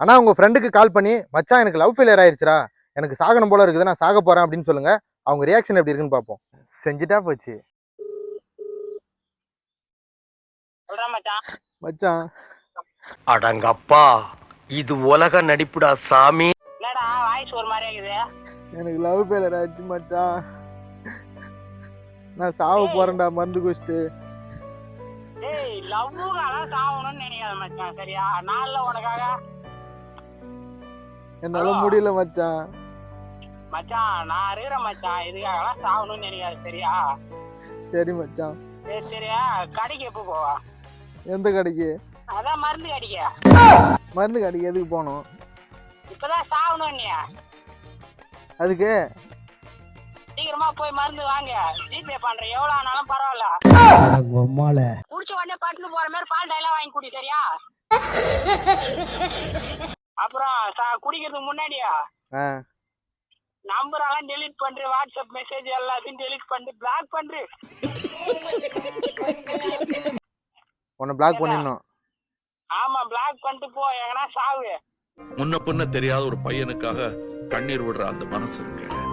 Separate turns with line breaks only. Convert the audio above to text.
ஆனா உங்க ஃப்ரெண்டுக்கு கால் பண்ணி மச்சான் எனக்கு லவ் ஃபெயிலியர் ஆயிடுச்சுடா, எனக்கு சாகணும் போல இருக்குது, நான் சாக போறேன் அப்படின்னு சொல்லுங்க. அவங்க ரியாக்ஷன் எப்படி இருக்குன்னு பார்ப்போம். செஞ்சுட்டா போச்சு. மச்சான்
அடங்கப்பா, இது உலக நடிப்புடா சாமி.
என்னடா வாய்ஸ் ஒரு மாதிரி இருக்குது?
எனக்கு லவ் ஃபெயிலியர் ஆயிடுச்சு மச்சான், நான் சாவ போறேன்டா மருந்து குடிச்சிட்டு.
ஏய் லவ்வுக்காக சாவணும்னு நினைக்காத மச்சான், சரியா? நான்ல உனக்காக.
என்னால முடியல மச்சான்.
மச்சான் நான் இருக்கிறேன் மச்சான், இதுக்காகலாம் சாவணும்னு நினைக்காது, சரியா?
சரி மச்சான்.
சரி சரியா, கடைக்கு எப்போ போவா?
எந்த கடைக்கு?
அதான் மருந்து கடைக்கு.
மருந்து கடைக்கு எதுக்கு போகணும்?
இப்பதான் சாவணும் நீ.
அதுக்கு
சீக்கிரமா போய் மருந்து வாங்க, ஜிபே பண்றேன், எவ்வளவு ஆனாலும் பரவாயில்ல. குடிச்ச உடனே பட்டுன்னு போற மாதிரி பால் டைலாம் வாங்கி குடி, சரியா? அப்புறம் குடிக்கிறதுக்கு முன்னாடியா நம்பர் எல்லாம் டெலிட் பண்று, வாட்ஸ்அப் மெசேஜ் எல்லாத்தையும் டெலிட் பண்ணி பிளாக் பண்று.
உன்னை பிளாக் பண்ணிடணும்.
ஆமா பிளாக் பண்ணிட்டு போ, எங்கன்னா சாவு.
முன்ன பின்ன தெரியாத ஒரு பையனுக்காக கண்ணீர் விடுற அந்த மனசு இருக்கு.